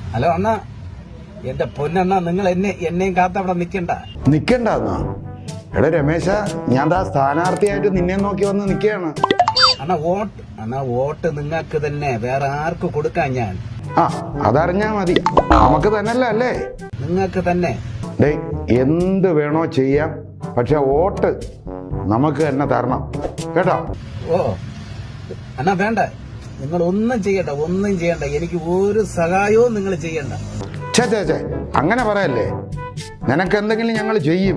Hello അണ്ണാ, എന്റെ പൊന്നണ്ണ, നിങ്ങൾ എന്നെയും കാത്തവിടെ നിക്കണ്ടെന്നാ? എടാ രമേശ, ഞാൻ സ്ഥാനാർത്ഥിയായിട്ട് നിന്നെ നോക്കി വന്ന് നിൽക്കുകയാണ്. വോട്ട് നിങ്ങൾക്ക് തന്നെ, വേറെ ആർക്ക് കൊടുക്കാൻ ഞാൻ? അതറിഞ്ഞാ മതി, നമുക്ക് തന്നെയല്ല അല്ലേ? നിങ്ങൾക്ക് തന്നെ. എന്ത് വേണോ ചെയ്യാം, പക്ഷെ വോട്ട് നമുക്ക് തന്നെ തരണം കേട്ടോ. അണ്ണാ വേണ്ട, നിങ്ങൾ ഒന്നും ചെയ്യണ്ട, എനിക്ക് ഒരു സഹായവും നിങ്ങൾ ചെയ്യണ്ട. ചേ അങ്ങനെ പറയല്ലേ, നിനക്ക് എന്തെങ്കിലും ഞങ്ങൾ ചെയ്യും.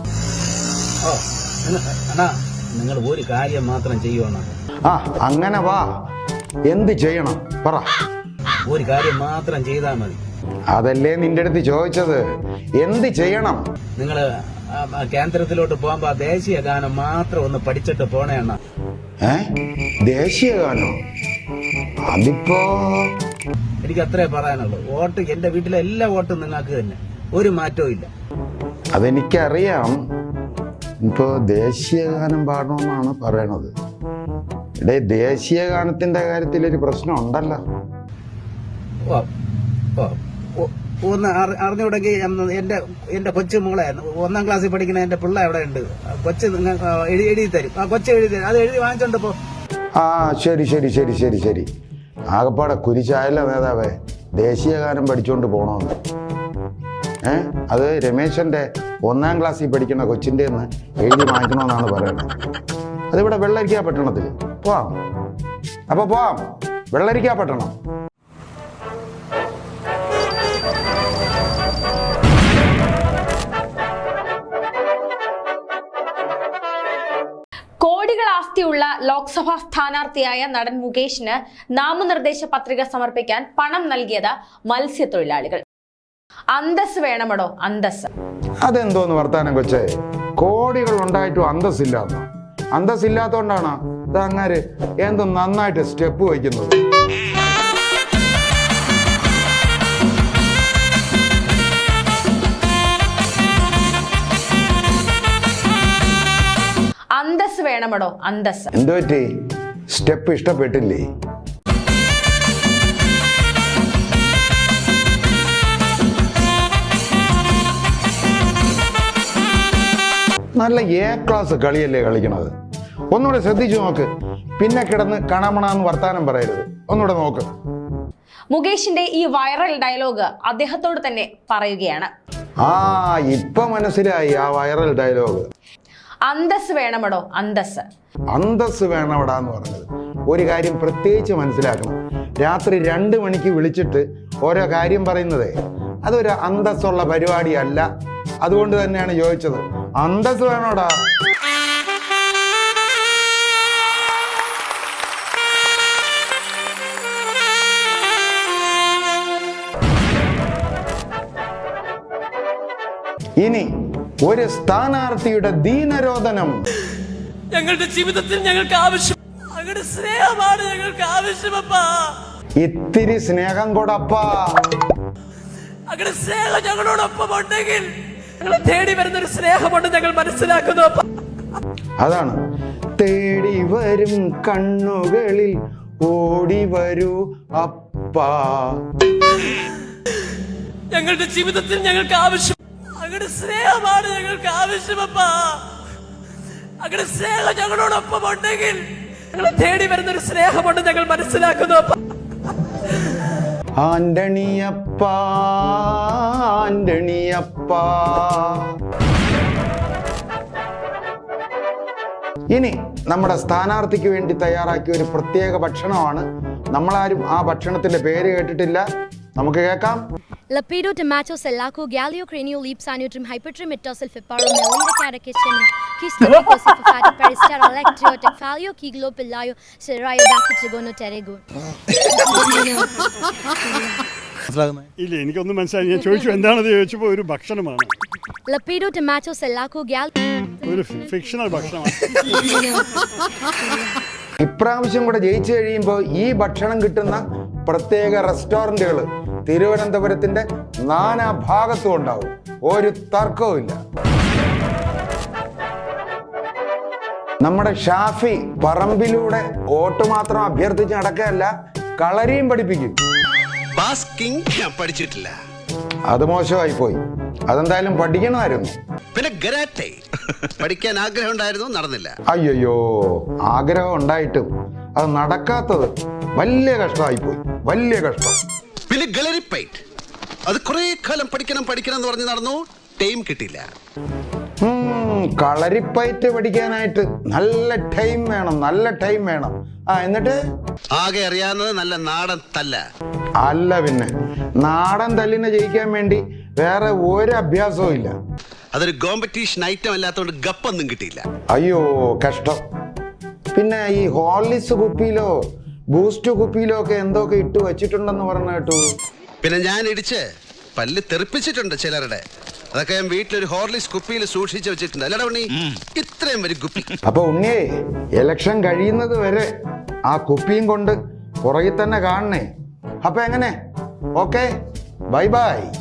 അണ്ണാ, നിങ്ങൾ ഒരു കാര്യം മാത്രം ചെയ്യുവാണ്. അങ്ങനെ വാ, എന്ത് ചെയ്യണം പറ. ഒരു കാര്യം മാത്രം ചെയ്താൽ മതി. അതല്ലേ നിന്റെ അടുത്ത് ചോദിച്ചത്, എന്ത് ചെയ്യണം? നിങ്ങള് കേന്ദ്രത്തിലോട്ട് പോകുമ്പോ ദേശീയ ഗാനം മാത്രം ഒന്ന് പഠിച്ചിട്ട് പോണേ അണ്ണാ. ദേശീയ ഗാനോ? അതിപ്പോ എനിക്ക് അത്രേ പറയാനുള്ളൂ. വോട്ട്, എന്റെ വീട്ടിലെ എല്ലാ വോട്ടും നിങ്ങൾക്ക് തന്നെ, ഒരു മാറ്റവും ഇല്ല. അതെനിക്കറിയാം. ഇപ്പോ ദേശീയ ഗാനം പാടണമെന്നാണ് പറയണത്. ദേശീയ ഗാനത്തിന്റെ കാര്യത്തിൽ ഒരു പ്രശ്നം ഉണ്ടല്ലോ. ഒന്ന് അറിഞ്ഞുകൂടെങ്കിൽ എന്റെ കൊച്ചു മോളെ, 1ാം ക്ലാസ്സിൽ പഠിക്കുന്ന എന്റെ പിള്ള എവിടെ ഉണ്ട്, കൊച്ചു എഴുതി തരും. കൊച്ചു എഴുതി തരും, അത് എഴുതി വാങ്ങിച്ചോണ്ട് പോ. ശരി. ആകപ്പാടെ കുരിശായല്ലോ നേതാവേ, ദേശീയ ഗാനം പഠിച്ചുകൊണ്ട് പോണോന്ന്. അത് രമേശന്റെ 1ാം ക്ലാസ്സിൽ പഠിക്കുന്ന കൊച്ചിന്റെ എഴുതി വാങ്ങിക്കണമെന്നാണ് പറയുന്നത്. അതിവിടെ വെള്ളരിക്കാ പട്ടണത്തിൽ പോവാം. അപ്പൊ പോവാം, വെള്ളരിക്കാ പട്ടണം. കോടികൾ ആസ്തിയുള്ള ലോക്സഭാ സ്ഥാനാർത്ഥിയായ നടൻ മുകേഷിന് നാമനിർദ്ദേശ പത്രിക സമർപ്പിക്കാൻ പണം നൽകിയത് മത്സ്യത്തൊഴിലാളികൾ. അന്തസ് വേണമടോ, അന്തസ്. അതെന്തോന്ന് വർത്താനം കൊച്ചേ, കോടികൾ ഉണ്ടായിട്ടും അന്തസ്സില്ലാന്നോ? അന്തസ്സില്ലാത്തോണ്ടാണ് അങ്ങാര് എന്തോ നന്നായിട്ട് സ്റ്റെപ്പ് വയ്ക്കുന്നത്. അന്തസ് വേണമടോ, അന്തസ്. എന്തു പറ്റി? സ്റ്റെപ്പ് ഇഷ്ടപ്പെട്ടില്ലേ? നല്ല ക്ലാസ് കളിയല്ലേ കളിക്കണത്. ഒന്നുകൂടെ ശ്രദ്ധിച്ചു നോക്ക്, പിന്നെ കിടന്ന് കണമണാന്ന് വർത്താനം പറയരുത്. ഒന്നുകൂടെ നോക്ക്. മുകേഷിന്റെ ഈ വൈറൽ ഡയലോഗ് അദ്ദേഹത്തോട് തന്നെ പറയുകയാണ്. ഇപ്പൊ മനസ്സിലായി ആ വൈറൽ ഡയലോഗ്. അന്തസ് വേണമടോ, അന്തസ്. അന്തസ് വേണമടാന്ന് പറഞ്ഞത് ഒരു കാര്യം പ്രത്യേകിച്ച് മനസ്സിലാക്കണം. രാത്രി 2 മണിക്ക് വിളിച്ചിട്ട് ഓരോ കാര്യം പറയുന്നതേ, അതൊരു അന്തസ്സുള്ള പരിപാടിയല്ല. അതുകൊണ്ട് തന്നെയാണ് ചോദിച്ചത്, അന്തസ് വേണോടാ. ഇനി ഒരു സ്ഥാനാർത്ഥിയുടെ ദീനരോധനം. ഞങ്ങളുടെ ജീവിതത്തിൽ ഞങ്ങൾക്ക് ആവശ്യം അങ്ങയുടെ സ്നേഹമാണ്. ഞങ്ങൾക്ക് ആവശ്യമപ്പാ, ഇത്തിരി സ്നേഹം കൊടപ്പാ. അങ്ങയുടെ സ്നേഹം ഞങ്ങളോടൊപ്പം ഉണ്ടെങ്കിൽ ഞങ്ങളെ തേടി വരുന്ന ഒരു സ്നേഹമുണ്ട് ഞങ്ങൾ മനസ്സിലാക്കുന്നു. അതാണ് തേടി വരും കണ്ണുകളിൽ ഓടി വരൂ അപ്പാ. ഞങ്ങളുടെ ജീവിതത്തിൽ ഞങ്ങൾക്ക് ആവശ്യം അങ്ങയുടെ സ്നേഹമാണ്. ഞങ്ങൾക്ക് ആവശ്യമപ്പാ, അങ്ങയുടെ സ്നേഹം ഞങ്ങളോടൊപ്പം ഉണ്ടെങ്കിൽ ഞങ്ങളെ തേടി വരുന്ന ഒരു സ്നേഹമുണ്ട് ഞങ്ങൾ മനസ്സിലാക്കുന്നു. ആന്റണിയപ്പാ, ആന്റണിയപ്പാ. ഇനി നമ്മുടെ സ്ഥാനാർത്ഥിക്ക് വേണ്ടി തയ്യാറാക്കിയ ഒരു പ്രത്യേക ഭക്ഷണമാണ്. നമ്മളാരും ആ ഭക്ഷണത്തിന്റെ പേര് കേട്ടിട്ടില്ല. നമുക്ക് കേൾക്കാം. Lapido tomato salaco gallio cranio leap sanutrim hypertrim etosil fiparo melida catechum kistarico sifati peristero electriotic falio kiglo pilayo serayo bacchigono terego. ഇല്ല, എനിക്കൊന്നും മനസ്സിലായി. ഞാൻ ചോദിച്ചു എന്താണെന്ന് ചോദിച്ചപ്പോൾ ഒരു ഭക്ഷണമാണ്. Lapido tomato salaco gallio ഒരു ഫിക്ഷണൽ ഭക്ഷണമാണ്. ഇപ്രാവശ്യം കൂടെ ജയിച്ചു കഴിയുമ്പോൾ ഈ ഭക്ഷണം കിട്ടുന്ന പ്രത്യേക റെസ്റ്റോറന്റുകൾ തിരുവനന്തപുരത്തിന്റെ നാനാഭാഗത്തും ഉണ്ടാവും. ഒരു തർക്കവും ഇല്ല. നമ്മുടെ ഷാഫി പറമ്പിലൂടെ വോട്ട് മാത്രം അഭ്യർത്ഥിച്ച് നടക്കുകയല്ല, കളരിയും പഠിപ്പിക്കും. ടാസ്കിങ് ഞാൻ പഠിച്ചിട്ടില്ല. അത് മോശമായി പോയി. അതെന്തായാലും പഠിക്കണമായിരുന്നു. പിന്നെ ഗരാറ്റെ പഠിക്കാൻ ആഗ്രഹം ഉണ്ടായിരുന്നു, നടന്നില്ല. അയ്യോ, ആഗ്രഹം ഉണ്ടായിട്ടും അത് നടക്കാത്തത് വലിയ കഷ്ടമായി പോയി, വലിയ കഷ്ടം. പിന്നെ ഗലറിപ്പൈറ്റ്, അത് കുറെ കാലം പഠിക്കണം എന്ന് പറഞ്ഞ് നടന്നു, ടൈം കിട്ടിയില്ല. കളരിപ്പയറ്റ് പഠിക്കാനായിട്ട് നല്ല ടൈം വേണം, നല്ല ടൈം വേണം. എന്നിട്ട് ആകെ അറിയാവുന്നത് നല്ല നാടൻ തല്ല. അല്ല പിന്നെ, നാടൻ തല്ലിനെ ജയിക്കാൻ വേണ്ടി വേറെ ഒരു അഭ്യാസവും ഇല്ല. അതൊരു കോമ്പറ്റീഷൻ ഐറ്റം അല്ലാത്തതുകൊണ്ട് ഗപ്പൊന്നും കിട്ടിയില്ല. അയ്യോ കഷ്ടം. പിന്നെ ഈ ഹോർലിക്സ് കുപ്പിയിലോ ബൂസ്റ്റ് കുപ്പിയിലോ ഒക്കെ എന്തൊക്കെ ഇട്ട് വെച്ചിട്ടുണ്ടെന്ന് പറഞ്ഞു കേട്ടു. പിന്നെ ഞാൻ ഇടിച്ച് പല്ല് തെറിപ്പിച്ചിട്ടുണ്ട് ചിലരുടെ. അതൊക്കെ ഞാൻ വീട്ടിലൊരു ഹോർലിക്സ് കുപ്പിയിൽ സൂക്ഷിച്ചു വെച്ചിട്ടുണ്ട്. അല്ലടാ ഉണ്ണി, ഇത്രയും വരും കുപ്പി. അപ്പൊ ഉണ്ണിയേ, ഇലക്ഷൻ കഴിയുന്നത് വരെ ആ കുപ്പിയും കൊണ്ട് പുറകിൽ തന്നെ കാണണേ. അപ്പൊ എങ്ങനെ? Okay, bye by.